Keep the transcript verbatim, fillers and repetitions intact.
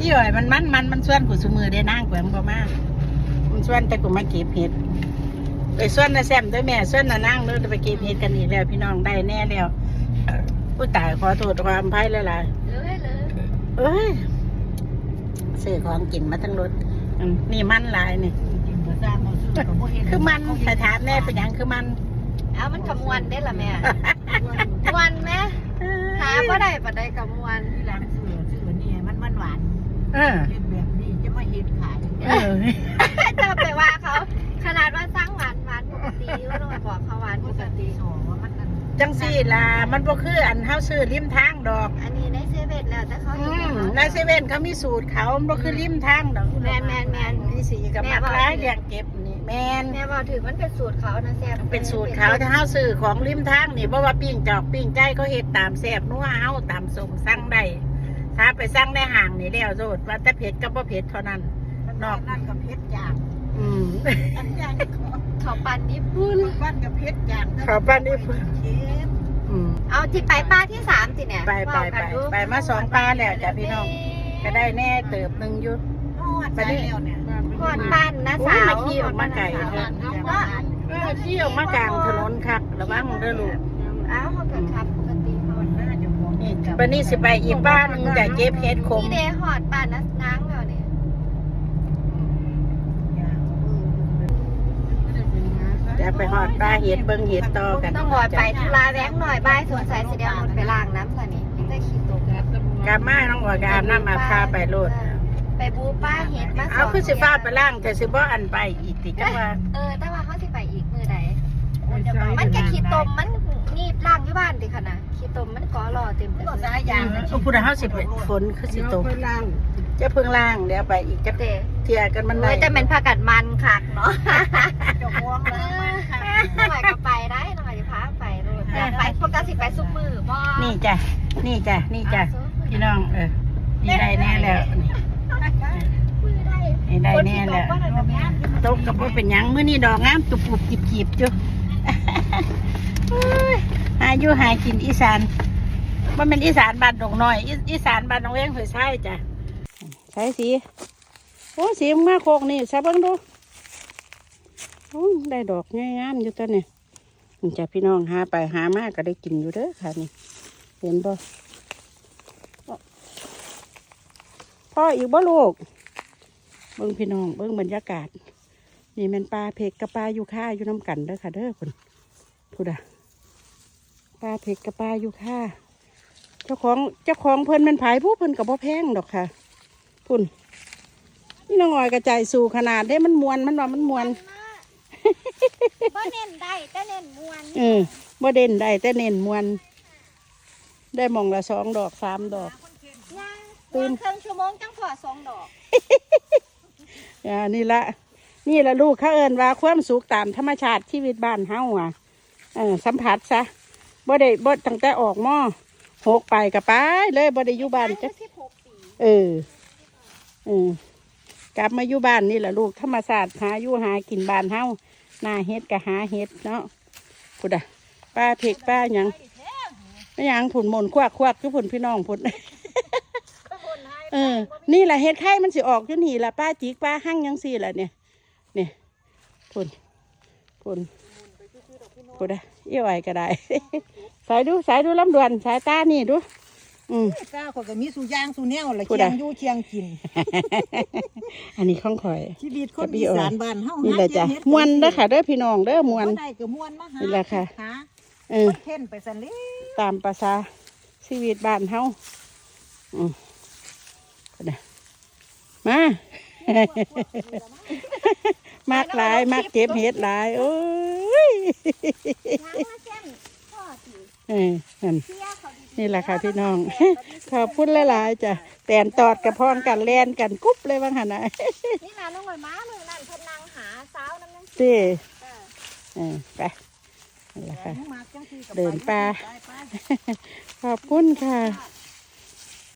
ที่อ่อยมันมันมันมันส่วนกูสมือได้นั่งกูมันบ่มากมันส่วนแต่กูมาเก็บเห็ดไปส่วนนะแซมด้วยแม่ส่วนนะนั่งเลยไปเก็บเห็ดกันอีกแล้วพี่น้องได้แน่แล้วผู้ตายขอโทษความไพ่เลยล่ะเลยเลยเอ้ยซื้อของกินมาทั้งรถนี่มันลายนี่คือมันแต่ถามแน่เป็นยังคือมันเอามันขมวนได้ละแม่มวนไหมหาบ่ได้บ่ได้ขมวนที่ร้านเสือเสือนี่มันมันหวานเออเห็ดแบบนี้จะมาเห็ดขายเออจะไปว่าเขาขนาดว่าสร้างหวานหวานปกติก็ต้องบอกเขาหวานปกติโอ้ว่ามันจังสี่ล่ะมันบ่คืออันเฮาซื้อริมทางดอกอันนี้ในเซเว่นแล้วแต่เขาในเซเว่นเขามีสูตรเขามันบ่คือริมทางดอกแมนแมนแมนนี่สีกับมักร้ายเรียงเก็บนี่แมนแม่บอกถือมันเป็นสูตรเขานะแซ่บเป็นสูตรเขาถ้าเฮาซื้อของริมทางนี่บ่ว่าปิ้งจอกปิ้งใจเขาเฮ็ดตามแซ่บนัวเฮาตามส่งสั่งได้ถ้าไปสั่งในห้างนี่แล้วโทษว่าแต่เผ็ดกับบ่เผ็ดเท่านั้นนอกนั่นกับเพชรจางอืมอันย่างเขาปั่นญี่ปุ่นบ้านกับเพชรจางเขาปั่นญี่ปุ่นเอาที่ไปป้าที่สามสิเนี่ยไปไปไปไปมาสองป้าแล้วจ้ะพี่น้องก็ได้แน่เติบหนึ่งยุดไปแล้วเนี่ยขอดปั้นนะสาวมาขี่ออกมาไก่ขี่ออกมากลางถนนคักระวังเด้อลูกอ้าวเขาเกิดขับปกติเขานี่วันนี้สิไปอีบ้านนึงจะเก็บเห็ดขมนี่เดหอดปั้นนะนางเราเนี่ยจะไปหอดปลาเห็ดเบิ้งเห็ดต่อกันต้องหอดไปทุลาแวงหน่อยบ่ายสวนสายเสียหมดไปล้างน้ำค่ะนี่ยังได้ขี้ตกกามาน้องหัวกาน้ำมาพาไปโลดไปบูป้าเห็ดมาเอาคือสิฟ้าไปล่างแต่สิบ่อันไปอีกติจังว่าเออแต่ว่าเขาสิไปอีกมือใดมันจะขี้ตมมันงีบล่างที่บ้านดิค่ะนะขี้ตมมันก่อหล่อเต็มเลยสายยางอุปราเฮาสิฝนคือสิตกจะเพิ่งล่างเดี๋ยวไปอีกจะเที่ยกันมันเลยจะเป็นผักกัดมันคักเนาะจะม่วงเลยหน่อยก็ไปได้หน่อยจะพาไปเลยไปปกติไปซุปมือบ่นี่จ้ะนี่จ้ะนี่จ้ะพี่น้องเออนี่ได้แน่แล้วนี่ได้แน่แล้วตกกับว่าเป็นยังมื้อนี้ดอกงามตุบปุบจีบจีบจุ๊หาอยู่หากินอีสานว่าเป็นอีสานบ้านดงน้อยอีสานบ้านน้องเลี้ยงเผยใช่จ้ะใช่สีโอ้สีมาโคกนี่ใช่เบิ้งดูโอ้ได้ดอกงามอยู่ตัวเนี่ยจ้ะพี่น้องหาไปหามากก็ได้กินอยู่เด้อค่ะนี่เห็นบ่พ่ออีกบ่ลูกเบิ้งพี่น้องเบิ้งบรรยากาศนี่มันปลาเพกกับปลายูค่าอยู่น้ำกันเด้อค่ะเด้อคุณพูดอะปลาเพกกับปลายูค่าเจ้าของเจ้าของเพิ่นมันผายผู้เพิ่นกับพ่อแพงดอกค่ะพุ่นนี่น้องอ้อยกระจายสู่ขนาดได้มันมวนมันว่ามันมวนบ่เน้นได้แต่เน้นมวนเออบ่เด่นได้แต่เน้นมวนได้มองละสองดอกสามดอกตื่นครึ่งชั่วโมงจังพอสองดอกอ่านี่ละนี่ละลูกเขาเอิ้นว่าความสุขตามธรรมชาติชีวิตบ้านเฮาอ่ะเออสัมผัสซะบ่ได้บ่ตั้งแต่ออกหม้อหกไปกับไปเลยบ่ได้อยู่บ้านจ้ะเออเออกลับมาอยู่บ้านนี่แหละลูกธรรมศาสตร์หาอยู่หากินบ้านเฮาหน้าเฮ็ดกับหาเฮ็ดเนาะพุดอะป้าเพกป้าหยังไม่ยังผุนหมุนควักควักทุกผุนพี่น้องผุนเออนี่แหละเฮ็ดไข่มันสิออกจนหีละป้าจิกป้าหั่งยังสี่ละเนี่ยเนี่ยผุนผุนผุดอะเอี่ยวไอ้ก็ได้สายดูสายดูลำดวนสายตานี่ดูอืมก้าคนก็มีสูย่างสูแนวละเชียงยู่เชียงกินอันนี้ข้องข่อยชีวิตคนอีสานบ้านเฮานี่แหละจ้ะมวนเด้อค่ะเด้อพี่น้องเด้อมวนได้ก็มวนมาหานี่แหละค่ะเออเท่นไปสันเลยตามภาษาชีวิตบ้านเฮาอืมมามักหลายมักเก็บเห็ดหลายโอ้ยเออนี่แหละค่ะพี่น้องขอบคุณหลายๆจ้ะแตนตอดกระพองกันแลนกันกุ๊บเลยบ้างค่ะนะนี่นะน้องหอยม้ามือนั่นเพิ่นนางหาสาวน้ำนั่งสิเออไปนี่แหละค่ะเดินป่าขอบคุณค่ะ